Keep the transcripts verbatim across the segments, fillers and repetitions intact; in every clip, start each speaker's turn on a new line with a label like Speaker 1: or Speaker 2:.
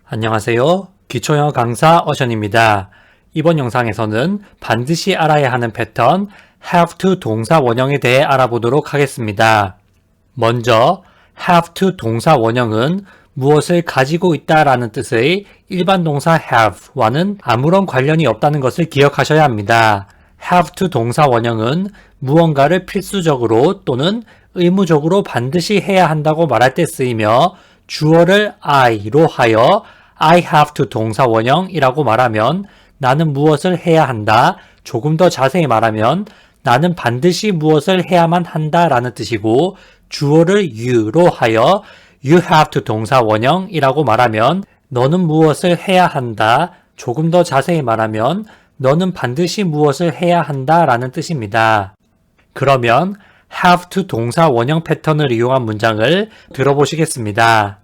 Speaker 1: 안녕하세요. 기초영어 강사 어션입니다. 이번 영상에서는 반드시 알아야 하는 패턴 have to 동사 원형에 대해 알아보도록 하겠습니다. 먼저 have to 동사 원형은 무엇을 가지고 있다라는 뜻의 일반 동사 have와는 아무런 관련이 없다는 것을 기억하셔야 합니다. have to 동사 원형은 무언가를 필수적으로 또는 의무적으로 반드시 해야 한다고 말할 때 쓰이며 주어를 I로 하여 I have to 동사 원형이라고 말하면 나는 무엇을 해야 한다. 조금 더 자세히 말하면 나는 반드시 무엇을 해야만 한다 라는 뜻이고 주어를 you로 하여 you have to 동사 원형이라고 말하면 너는 무엇을 해야 한다. 조금 더 자세히 말하면 너는 반드시 무엇을 해야 한다 라는 뜻입니다. 그러면 have to 동사 원형 패턴을 이용한 문장을 들어보시겠습니다.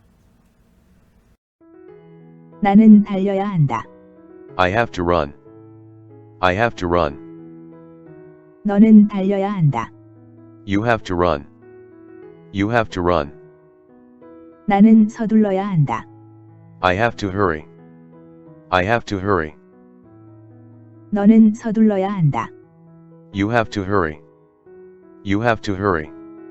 Speaker 2: 나는 달려야 한다.
Speaker 3: I have to run. I have to run.
Speaker 2: 너는 달려야 한다.
Speaker 3: You have to run. You have to run.
Speaker 2: 나는 서둘러야 한다.
Speaker 3: I have to hurry. I have to hurry.
Speaker 2: 너는 서둘러야 한다.
Speaker 3: You have to hurry. You have to hurry.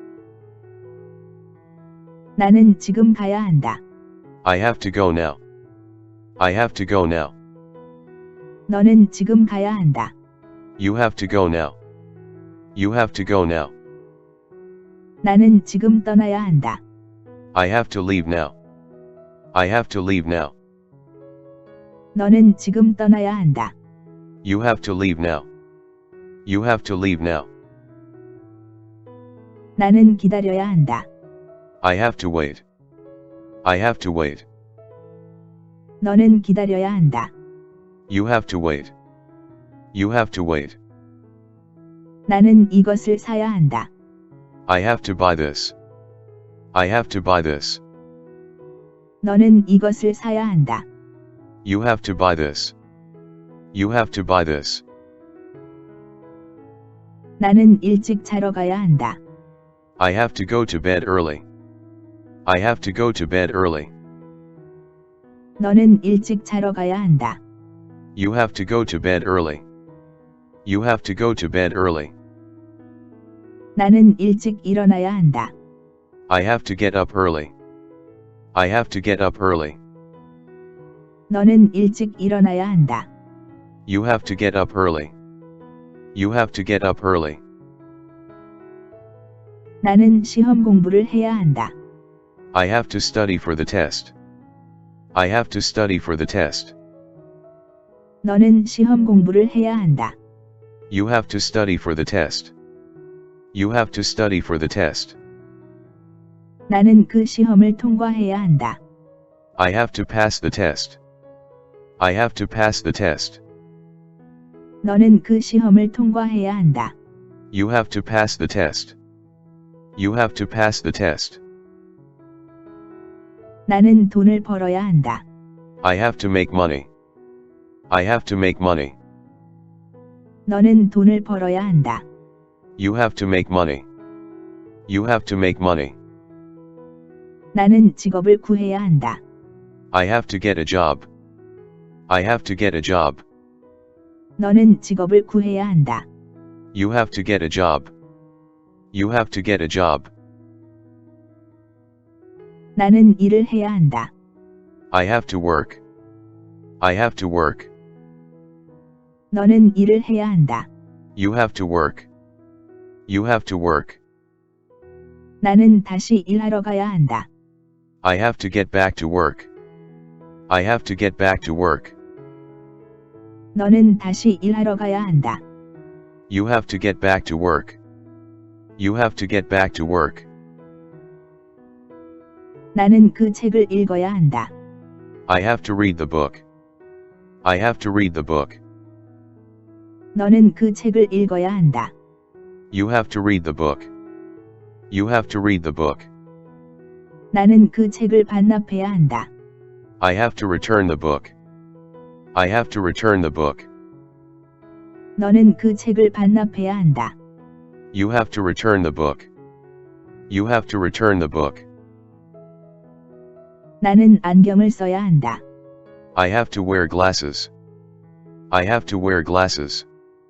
Speaker 2: 나는 지금 가야 한다.
Speaker 3: I have to go now. I have to go now.
Speaker 2: 너는 지금 가야 한다.
Speaker 3: You have to go now. You have to go now.
Speaker 2: 나는 지금 떠나야 한다.
Speaker 3: I have to leave now. I have to leave now.
Speaker 2: 너는 지금 떠나야 한다.
Speaker 3: You have to leave now. You have to leave now.
Speaker 2: 나는 기다려야 한다.
Speaker 3: I have to wait. I have to wait.
Speaker 2: 너는 기다려야 한다.
Speaker 3: You have to wait. You have to wait.
Speaker 2: 나는 이것을 사야 한다.
Speaker 3: I have to buy this. I have to buy this.
Speaker 2: 너는 이것을 사야 한다.
Speaker 3: You have to buy this. You have to buy this.
Speaker 2: 나는 일찍 자러 가야 한다.
Speaker 3: I have to go to bed early. I have to go to bed early.
Speaker 2: 너는 일찍 자러 가야 한다.
Speaker 3: You have to go to bed early. You have to go to bed early.
Speaker 2: 나는 일찍 일어나야 한다.
Speaker 3: I have to get up early. I have to get up early.
Speaker 2: 너는 일찍 일어나야 한다.
Speaker 3: You have to get up early. You have to get up early.
Speaker 2: 나는 시험 공부를 해야 한다.
Speaker 3: I have to study for the test. I have to study for the test.
Speaker 2: 너는 시험 공부를 해야 한다.
Speaker 3: You have to study for the test. You have to study for the test.
Speaker 2: 나는 그 시험을 통과해야 한다.
Speaker 3: I have to pass the test. I have to pass the test.
Speaker 2: 너는 그 시험을 통과해야 한다.
Speaker 3: You have to pass the test. You have to pass the test.
Speaker 2: 나는 돈을 벌어야 한다.
Speaker 3: I have to make money. I have to make money.
Speaker 2: 너는 돈을 벌어야 한다.
Speaker 3: You have to make money. You have to make money.
Speaker 2: 나는 직업을 구해야 한다.
Speaker 3: I have to get a job. I have to get a job.
Speaker 2: 너는 직업을 구해야 한다.
Speaker 3: You have to get a job. You have to get a job.
Speaker 2: 나는 일을 해야 한다.
Speaker 3: I have to work. I have to work.
Speaker 2: 너는 일을 해야 한다.
Speaker 3: You have to work. You have to work.
Speaker 2: 나는 다시 일하러 가야 한다.
Speaker 3: I have to get back to work. I have to get back to work.
Speaker 2: 너는 다시 일하러 가야 한다.
Speaker 3: You have to get back to work. You have to get back to work.
Speaker 2: 나는 그 책을 읽어야 한다.
Speaker 3: I have to read the book. I have to read the book.
Speaker 2: 너는 그 책을 읽어야 한다.
Speaker 3: You have to read the book. You have to read the book.
Speaker 2: 나는 그 책을 반납해야 한다.
Speaker 3: I have to return the book. I have to return the book.
Speaker 2: 너는 그 책을 반납해야 한다.
Speaker 3: You have to return the book. You have to return the book.
Speaker 2: 나는 안경을 써야 한다.
Speaker 3: I have to wear glasses. I have to wear glasses.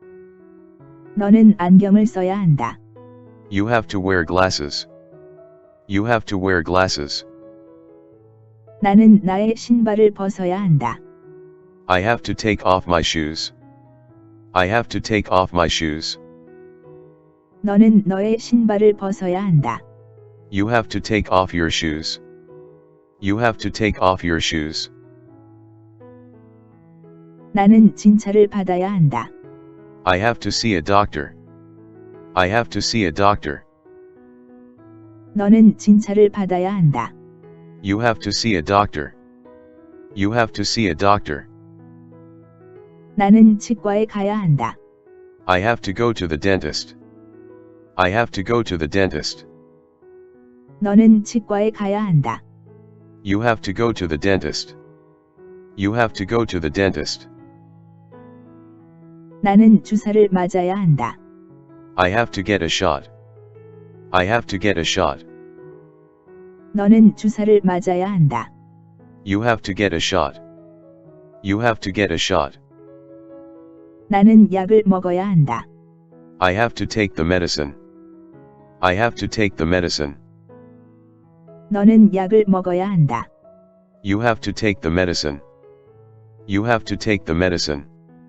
Speaker 2: 너는 안경을 써야 한다.
Speaker 3: You have to wear glasses. You have to wear glasses.
Speaker 2: 나는 나의 신발을 벗어야 한다.
Speaker 3: I have to take off my shoes. I have to take off my shoes.
Speaker 2: 너는 너의 신발을 벗어야 한다.
Speaker 3: You have to take off your shoes. You have to take off your shoes.
Speaker 2: 나는 진찰을 받아야 한다.
Speaker 3: I have to see a doctor. I have to see a doctor.
Speaker 2: 너는 진찰을 받아야 한다.
Speaker 3: You have to see a doctor. You have to see a doctor.
Speaker 2: 나는 치과에 가야 한다.
Speaker 3: I have to go to the dentist. I have to go to the dentist.
Speaker 2: 너는 치과에 가야 한다.
Speaker 3: You have to go to the dentist. You have to go to the dentist.
Speaker 2: 나는 주사를 맞아야 한다.
Speaker 3: I have to get a shot. I have to get a shot.
Speaker 2: 너는 주사를 맞아야 한다.
Speaker 3: You have to get a shot. You have to get a shot.
Speaker 2: 나는 약을 먹어야 한다.
Speaker 3: I have to take the medicine. I have to take the medicine.
Speaker 2: 너는 약을 먹어야 한다.
Speaker 3: You have to take the medicine. You have to take the medicine.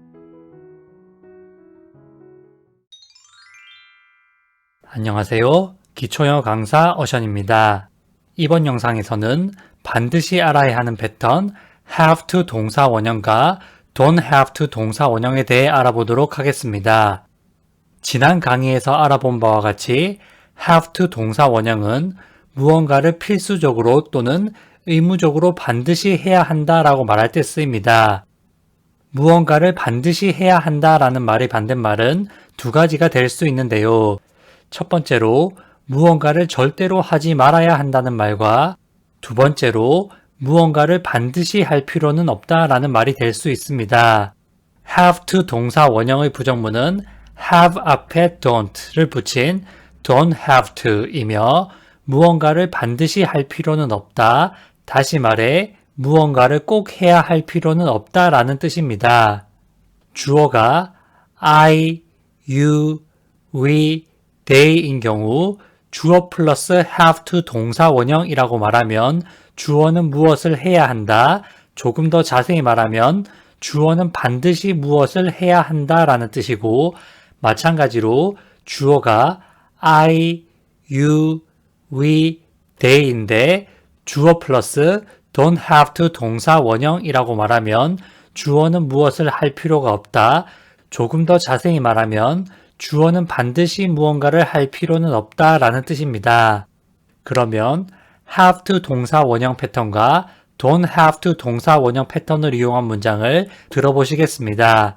Speaker 1: 안녕하세요. 기초영어 강사 어션입니다. 이번 영상에서는 반드시 알아야 하는 패턴 have to 동사 원형과 don't have to 동사 원형에 대해 알아보도록 하겠습니다. 지난 강의에서 알아본 바와 같이 have to 동사 원형은 무언가를 필수적으로 또는 의무적으로 반드시 해야 한다라고 말할 때 쓰입니다. 무언가를 반드시 해야 한다라는 말의 반대말은 두 가지가 될 수 있는데요. 첫 번째로 무언가를 절대로 하지 말아야 한다는 말과 두 번째로 무언가를 반드시 할 필요는 없다라는 말이 될 수 있습니다. have to 동사 원형의 부정문은 have 앞에 don't를 붙인 don't have to 이며 무언가를 반드시 할 필요는 없다. 다시 말해 무언가를 꼭 해야 할 필요는 없다라는 뜻입니다. 주어가 I, you, we, they인 경우 주어 플러스 have to 동사 원형이라고 말하면 주어는 무엇을 해야 한다. 조금 더 자세히 말하면 주어는 반드시 무엇을 해야 한다라는 뜻이고 마찬가지로 주어가 I, you, we, they인데 주어 플러스 don't have to 동사 원형이라고 말하면 주어는 무엇을 할 필요가 없다. 조금 더 자세히 말하면 주어는 반드시 무언가를 할 필요는 없다라는 뜻입니다. 그러면 have to 동사 원형 패턴과 don't have to 동사 원형 패턴을 이용한 문장을 들어보시겠습니다.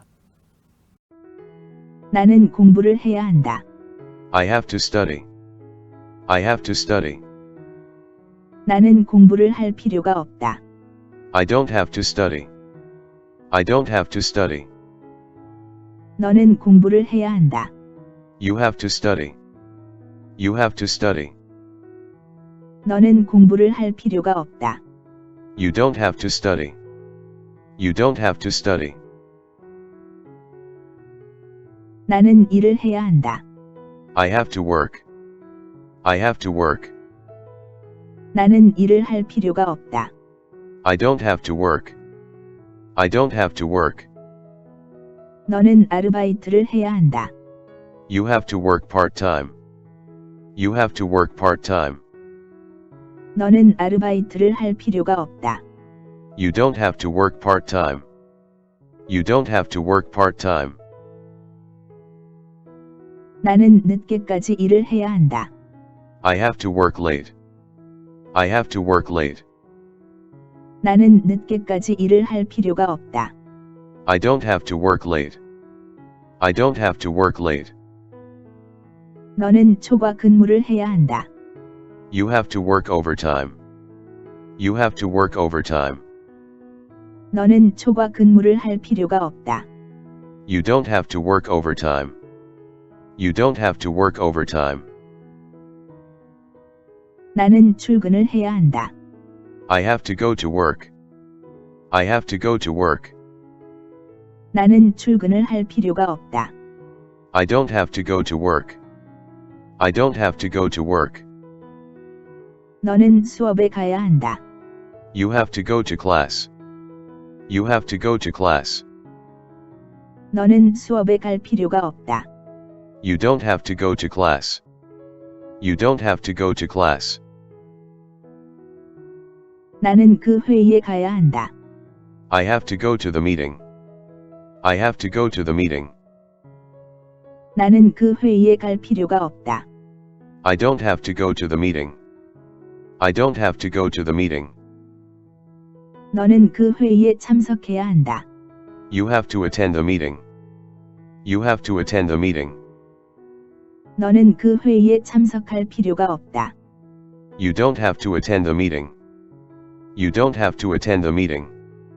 Speaker 2: 나는 공부를 해야 한다.
Speaker 3: I have to study. I have to study.
Speaker 2: 나는 공부를 할 필요가 없다.
Speaker 3: I don't have to study. I don't have to study.
Speaker 2: 너는 공부를 해야 한다.
Speaker 3: You have to study. You have to study.
Speaker 2: 너는 공부를 할 필요가 없다.
Speaker 3: You don't have to study. You don't have to study.
Speaker 2: 나는 일을 해야 한다.
Speaker 3: I have to work. I have to work.
Speaker 2: 나는 일을 할 필요가 없다.
Speaker 3: I don't have to work. I don't have to work.
Speaker 2: 너는 아르바이트를 해야 한다.
Speaker 3: You have to work part-time. You have to work part-time.
Speaker 2: 너는 아르바이트를 할 필요가 없다.
Speaker 3: You don't have to work part-time. You don't have to work part-time.
Speaker 2: 나는 늦게까지 일을 해야 한다.
Speaker 3: I have to work late. I have to work late.
Speaker 2: 나는 늦게까지 일을 할 필요가 없다.
Speaker 3: I don't have to work late. I don't have to work late.
Speaker 2: 너는 초과 근무를 해야 한다.
Speaker 3: You have to work overtime. You have to work overtime.
Speaker 2: 너는 초과 근무를 할 필요가 없다.
Speaker 3: You don't have to work overtime. You don't have to work overtime.
Speaker 2: 나는 출근을 해야 한다.
Speaker 3: I have to go to work. I have to go to work.
Speaker 2: 나는 출근을 할 필요가 없다.
Speaker 3: I don't have to go to work. I don't have to go to work.
Speaker 2: 너는 수업에 가야 한다.
Speaker 3: You have to go to class. You have to go to class.
Speaker 2: 너는 수업에 갈 필요가 없다.
Speaker 3: You don't have to go to class. You don't have to go to class.
Speaker 2: 나는 그 회의에 가야 한다.
Speaker 3: I have to go to the meeting. I have to go to the meeting.
Speaker 2: 나는 그 회의에 갈 필요가 없다.
Speaker 3: I don't have to go to the meeting. I don't have to go to the meeting.
Speaker 2: 너는 그 회의에 참석해야 한다.
Speaker 3: You have to attend the meeting. You have to attend the meeting.
Speaker 2: 너는 그 회의에 참석할 필요가 없다.
Speaker 3: You don't have to attend the meeting. You don't have to attend the meeting.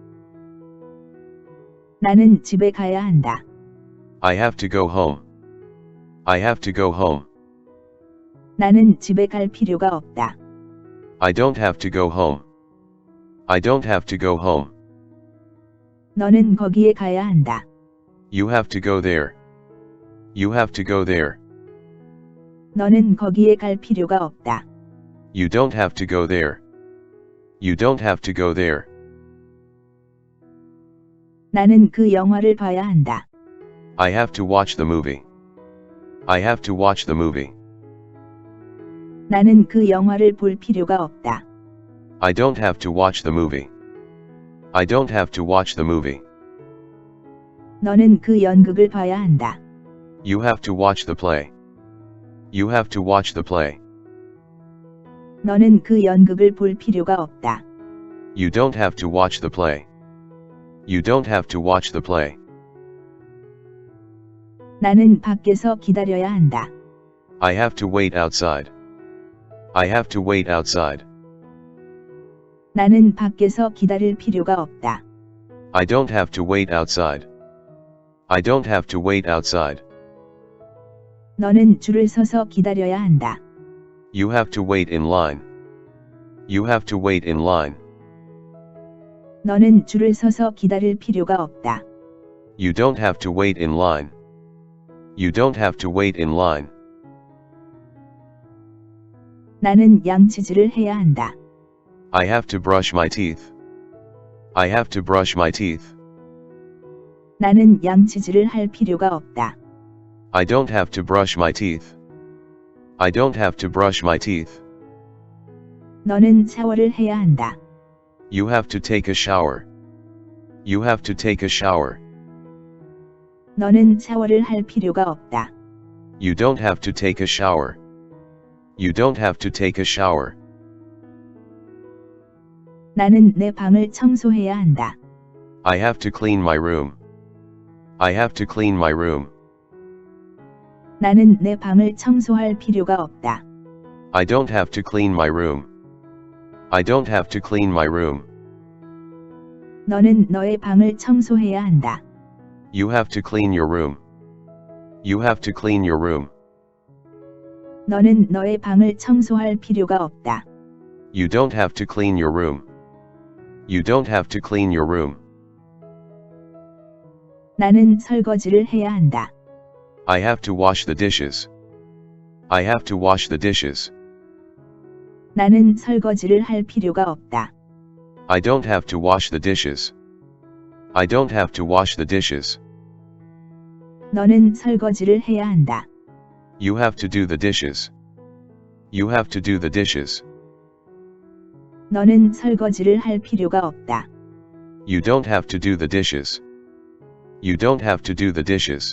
Speaker 2: 나는 집에 가야 한다.
Speaker 3: I have to go home. I have to go home.
Speaker 2: 나는 집에 갈 필요가 없다.
Speaker 3: I don't have to go home. I don't have to go home.
Speaker 2: 너는 거기에 가야 한다.
Speaker 3: You have to go there. You have to go there.
Speaker 2: 너는 거기에 갈 필요가 없다.
Speaker 3: You don't have to go there. You don't have to go there.
Speaker 2: 나는 그 영화를 봐야 한다.
Speaker 3: I have to watch the movie. I have to watch the movie.
Speaker 2: 나는 그 영화를 볼 필요가 없다.
Speaker 3: I don't have to watch the movie. I don't have to watch the movie.
Speaker 2: 너는 그 연극을 봐야 한다.
Speaker 3: You have to watch the play. You have to watch the play.
Speaker 2: 너는 그 연극을 볼 필요가 없다.
Speaker 3: You don't have to watch the play. You don't have to watch the play.
Speaker 2: 나는 밖에서 기다려야 한다.
Speaker 3: I have to wait outside. I have to wait outside.
Speaker 2: 나는 밖에서 기다릴 필요가 없다.
Speaker 3: I don't have to wait outside. I don't have to wait outside.
Speaker 2: 너는 줄을 서서 기다려야 한다.
Speaker 3: You have to wait in line. You have to wait in line.
Speaker 2: 너는 줄을 서서 기다릴 필요가 없다.
Speaker 3: You don't have to wait in line. You don't have to wait in line.
Speaker 2: 나는 양치질을 해야 한다.
Speaker 3: I have to brush my teeth. I have to brush my teeth.
Speaker 2: 나는 양치질을 할 필요가 없다.
Speaker 3: I don't have to brush my teeth. I don't have to brush my teeth.
Speaker 2: 너는 샤워를 해야 한다.
Speaker 3: You have to take a shower. You have to take a shower.
Speaker 2: 너는 샤워를 할 필요가 없다.
Speaker 3: You don't have to take a shower. You don't have to take a shower.
Speaker 2: 나는 내 방을 청소해야 한다.
Speaker 3: I have to clean my room. I have to clean my room.
Speaker 2: 나는 내 방을 청소할 필요가 없다.
Speaker 3: I don't have to clean my room. I don't have to clean my room.
Speaker 2: 너는 너의 방을 청소해야 한다.
Speaker 3: You have to clean your room. You have to clean your room.
Speaker 2: 너는 너의 방을 청소할 필요가 없다.
Speaker 3: You don't have to clean your room. You don't have to clean your room.
Speaker 2: 나는 설거지를 해야 한다.
Speaker 3: I have to wash the dishes. I have to wash the dishes.
Speaker 2: 나는 설거지를 할 필요가 없다.
Speaker 3: I don't have to wash the dishes. I don't have to wash the dishes.
Speaker 2: 너는 설거지를 해야 한다.
Speaker 3: You have to do the dishes. You have to do the dishes.
Speaker 2: 너는 설거지를 할 필요가 없다.
Speaker 3: You don't have to do the dishes. You don't have to do the dishes.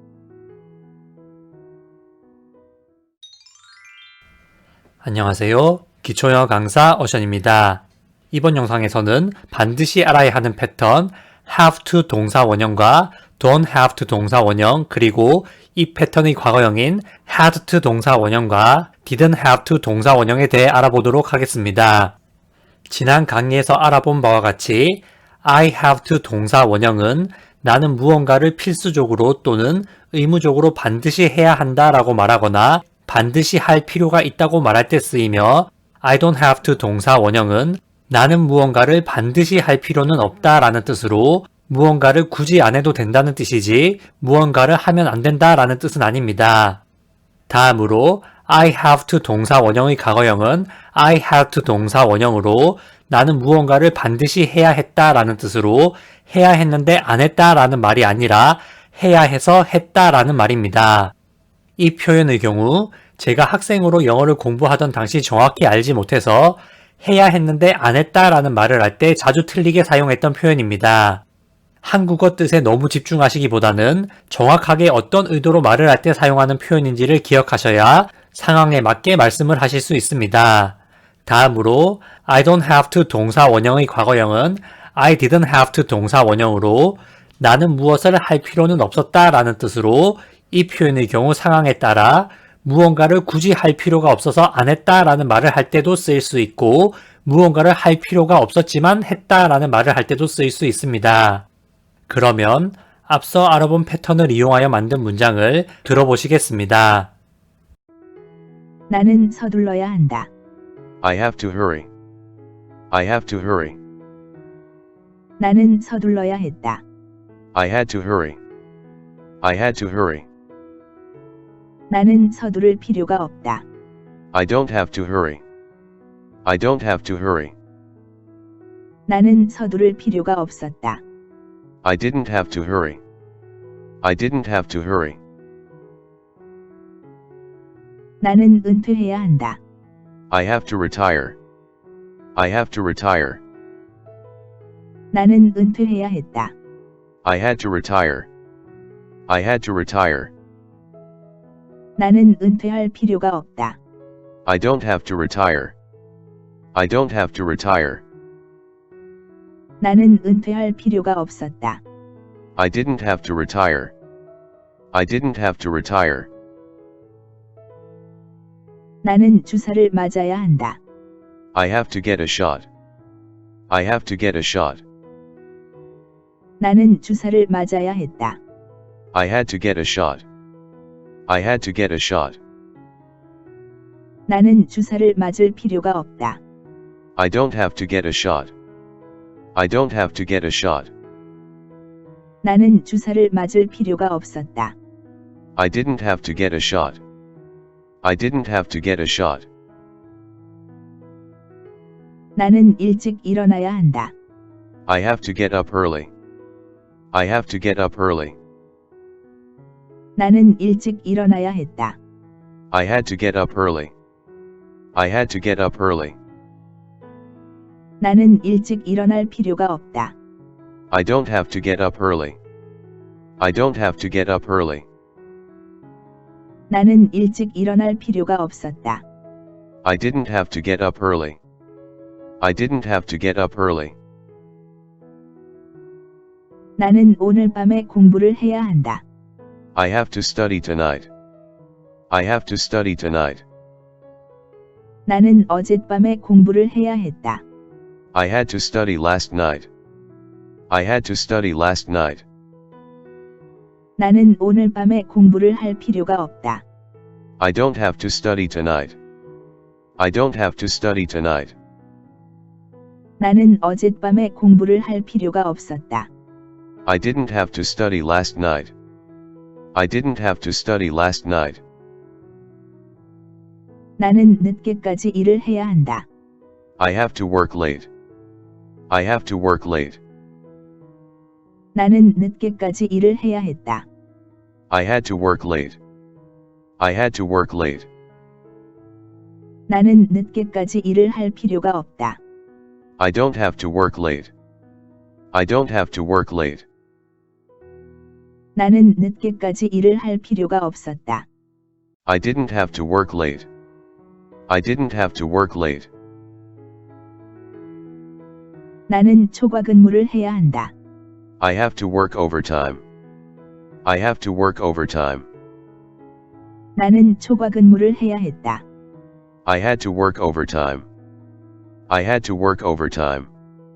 Speaker 1: 안녕하세요. 기초영어 강사 어션입니다. 이번 영상에서는 반드시 알아야 하는 패턴 have to 동사 원형과 don't have to 동사 원형, 그리고 이 패턴의 과거형인 had to 동사 원형과 didn't have to 동사 원형에 대해 알아보도록 하겠습니다. 지난 강의에서 알아본 바와 같이 I have to 동사 원형은 나는 무언가를 필수적으로 또는 의무적으로 반드시 해야 한다 라고 말하거나 반드시 할 필요가 있다고 말할 때 쓰이며 I don't have to 동사 원형은 나는 무언가를 반드시 할 필요는 없다 라는 뜻으로 무언가를 굳이 안 해도 된다는 뜻이지 무언가를 하면 안 된다 라는 뜻은 아닙니다. 다음으로 I have to 동사 원형의 과거형은 I had to 동사 원형으로 나는 무언가를 반드시 해야 했다 라는 뜻으로 해야 했는데 안 했다 라는 말이 아니라 해야 해서 했다 라는 말입니다. 이 표현의 경우 제가 학생으로 영어를 공부하던 당시 정확히 알지 못해서 해야 했는데 안 했다 라는 말을 할 때 자주 틀리게 사용했던 표현입니다. 한국어 뜻에 너무 집중하시기보다는 정확하게 어떤 의도로 말을 할 때 사용하는 표현인지를 기억하셔야 상황에 맞게 말씀을 하실 수 있습니다. 다음으로 I don't have to 동사 원형의 과거형은 I didn't have to 동사 원형으로 나는 무엇을 할 필요는 없었다 라는 뜻으로 이 표현의 경우 상황에 따라 무언가를 굳이 할 필요가 없어서 안 했다 라는 말을 할 때도 쓰일 수 있고 무언가를 할 필요가 없었지만 했다 라는 말을 할 때도 쓰일 수 있습니다. 그러면 앞서 알아본 패턴을 이용하여 만든 문장을 들어보시겠습니다.
Speaker 2: 나는 서둘러야 한다.
Speaker 3: I have to hurry. I have to hurry.
Speaker 2: 나는 서둘러야 했다.
Speaker 3: I had to hurry. I had to hurry.
Speaker 2: 나는 서두를 필요가 없다.
Speaker 3: I don't have to hurry. I don't have to hurry.
Speaker 2: 나는 서두를 필요가 없었다.
Speaker 3: I didn't have to hurry. I didn't have to hurry.
Speaker 2: 나는 은퇴해야 한다.
Speaker 3: I have to retire. I have to retire.
Speaker 2: 나는 은퇴해야 했다.
Speaker 3: I had to retire. I had to retire.
Speaker 2: 나는 은퇴할 필요가 없다.
Speaker 3: I don't have to retire. I don't have to retire.
Speaker 2: 나는 은퇴할 필요가 없었다.
Speaker 3: I didn't have to retire. I didn't have to retire.
Speaker 2: 나는 주사를 맞아야 한다.
Speaker 3: I have to get a shot. I have to get a shot.
Speaker 2: 나는 주사를 맞아야 했다.
Speaker 3: I had to get a shot. I had to get a shot.
Speaker 2: 나는 주사를 맞을 필요가 없다.
Speaker 3: I don't have to get a shot. I don't have to get a shot.
Speaker 2: 나는 주사를 맞을 필요가 없었다.
Speaker 3: I didn't have to get a shot. I didn't have to get a shot.
Speaker 2: 나는 일찍 일어나야 한다.
Speaker 3: I have to get up early. I have to get up early.
Speaker 2: 나는 일찍 일어나야 했다.
Speaker 3: I had to get up early. I had to get up early.
Speaker 2: 나는 일찍 일어날 필요가 없다.
Speaker 3: I don't have to get up early. I don't have to get up early.
Speaker 2: 나는 일찍 일어날 필요가 없었다.
Speaker 3: I didn't have to get up early. I didn't have to get up early.
Speaker 2: 나는 오늘 밤에 공부를 해야 한다.
Speaker 3: I have to study tonight. I have to study tonight.
Speaker 2: 나는 어젯밤에 공부를 해야 했다.
Speaker 3: I had to study last night. I had to study last night.
Speaker 2: 나는 오늘 밤에 공부를 할 필요가 없다.
Speaker 3: I don't have to study tonight. I don't have to study tonight.
Speaker 2: 나는 어젯밤에 공부를 할 필요가 없었다.
Speaker 3: I didn't have to study last night. I didn't have to study last night.
Speaker 2: 나는 늦게까지 일을 해야 한다.
Speaker 3: I have to work late. I have to work late.
Speaker 2: 나는 늦게까지 일을 해야 했다.
Speaker 3: I had to work late. I had to work late.
Speaker 2: 나는 늦게까지 일을 할 필요가 없다.
Speaker 3: I don't have to work late. I don't have to work late.
Speaker 2: 나는 늦게까지 일을 할 필요가 없었다.
Speaker 3: I didn't have to work late. I didn't have to work late.
Speaker 2: 나는 초과 근무를 해야 한다.
Speaker 3: I have to work overtime. I have to work overtime.
Speaker 2: 나는 초과 근무를 해야 했다.
Speaker 3: I had to work overtime. I had to work overtime.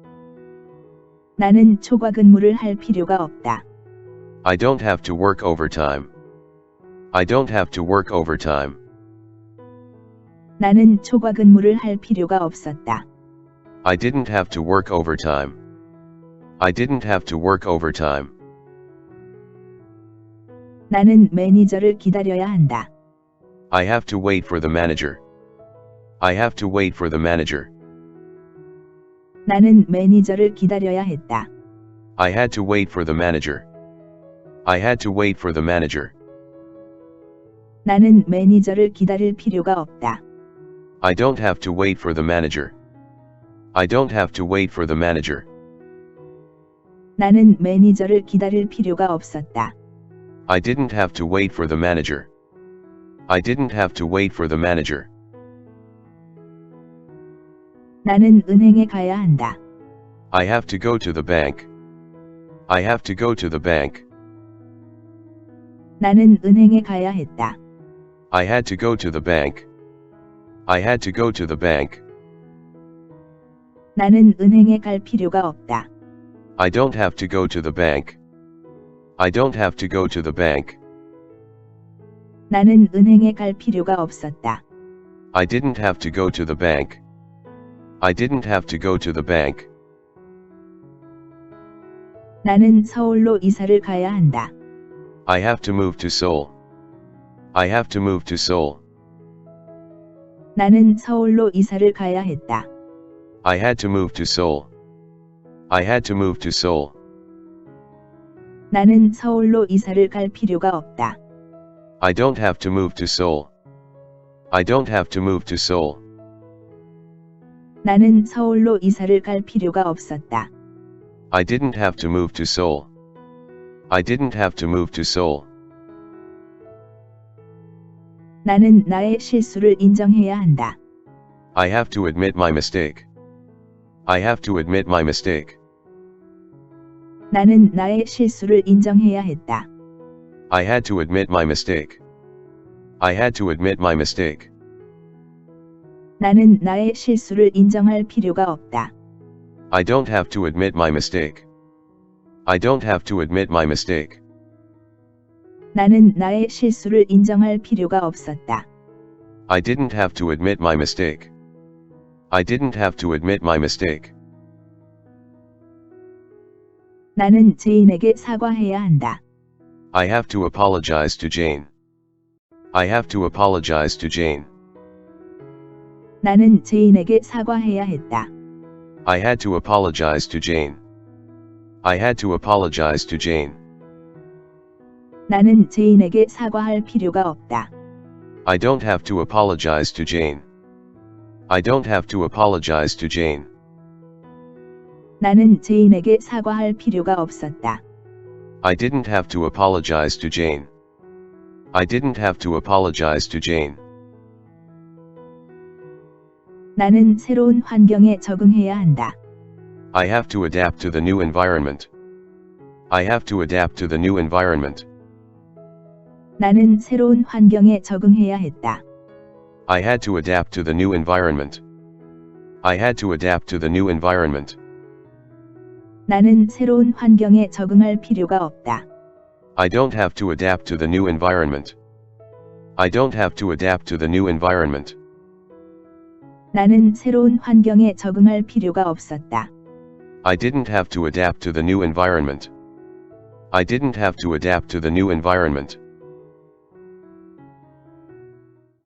Speaker 2: 나는 초과 근무를 할 필요가 없다.
Speaker 3: I don't have to work overtime. I don't have to work overtime.
Speaker 2: 나는 초과 근무를 할 필요가 없었다.
Speaker 3: I didn't have to work overtime. I didn't have to work overtime.
Speaker 2: 나는 매니저를 기다려야 한다.
Speaker 3: I have to wait for the manager. I have to wait for the manager.
Speaker 2: 나는 매니저를 기다려야 했다.
Speaker 3: I had to wait for the manager. I had to wait for the manager.
Speaker 2: 나는 매니저를 기다릴 필요가 없다.
Speaker 3: I don't have to wait for the manager. I don't have to wait for the manager.
Speaker 2: 나는 매니저를 기다릴 필요가 없었다.
Speaker 3: I didn't have to wait for the manager. I didn't have to wait for the manager.
Speaker 2: 나는 은행에 가야 한다.
Speaker 3: I have to go to the bank. I have to go to the bank.
Speaker 2: 나는 은행에 가야 했다.
Speaker 3: I had to go to the bank. I had to go to the bank.
Speaker 2: 나는 은행에 갈 필요가 없다.
Speaker 3: I don't have to go to the bank. I don't have to go to the bank.
Speaker 2: 나는 은행에 갈 필요가 없었다.
Speaker 3: I didn't have to go to the bank. I didn't have to go to the bank.
Speaker 2: 나는 서울로 이사를 가야 한다.
Speaker 3: I have to move to Seoul. I have to move to Seoul.
Speaker 2: 나는 서울로 이사를 가야 했다.
Speaker 3: I had to move to Seoul. I had to move to Seoul.
Speaker 2: 나는 서울로 이사를 갈 필요가 없다.
Speaker 3: I don't have to move to Seoul. I don't have to move to Seoul.
Speaker 2: 나는 서울로 이사를 갈 필요가 없었다.
Speaker 3: I didn't have to move to Seoul. I didn't have to move to Seoul.
Speaker 2: 나는 나의 실수를 인정해야 한다.
Speaker 3: I have to admit my mistake. I have to admit my mistake.
Speaker 2: 나는 나의 실수를 인정해야 했다.
Speaker 3: I had to admit my mistake. I had to admit my mistake.
Speaker 2: 나는 나의 실수를 인정할 필요가 없다.
Speaker 3: I don't have to admit my mistake. I don't have to admit my mistake.
Speaker 2: 나는 나의 실수를 인정할 필요가 없었다.
Speaker 3: I didn't have to admit my mistake. I didn't have to admit my mistake.
Speaker 2: 나는 제인에게 사과해야 한다.
Speaker 3: I have to apologize to Jane. I have to apologize to Jane.
Speaker 2: 나는 제인에게 사과해야 했다.
Speaker 3: I had to apologize to Jane. I had to apologize to Jane.
Speaker 2: 나는 제인에게 사과할 필요가 없다.
Speaker 3: I don't have to apologize to Jane. I don't have to apologize to Jane.
Speaker 2: 나는 제인에게 사과할 필요가 없었다.
Speaker 3: I didn't have to apologize to Jane. I didn't have to apologize to Jane.
Speaker 2: 나는 새로운 환경에 적응해야 한다.
Speaker 3: I have to adapt to the new environment. I have to adapt to the new environment.
Speaker 2: 나는 새로운 환경에 적응해야 했다.
Speaker 3: I had to adapt to the new environment. I had to adapt to the new environment.
Speaker 2: 나는 새로운 환경에 적응할 필요가 없다.
Speaker 3: I don't have to adapt to the new environment. I don't have to adapt to the new environment.
Speaker 2: 나는 새로운 환경에 적응할 필요가 없었다.
Speaker 3: I didn't have to adapt to the new environment. I didn't have to adapt to the new environment.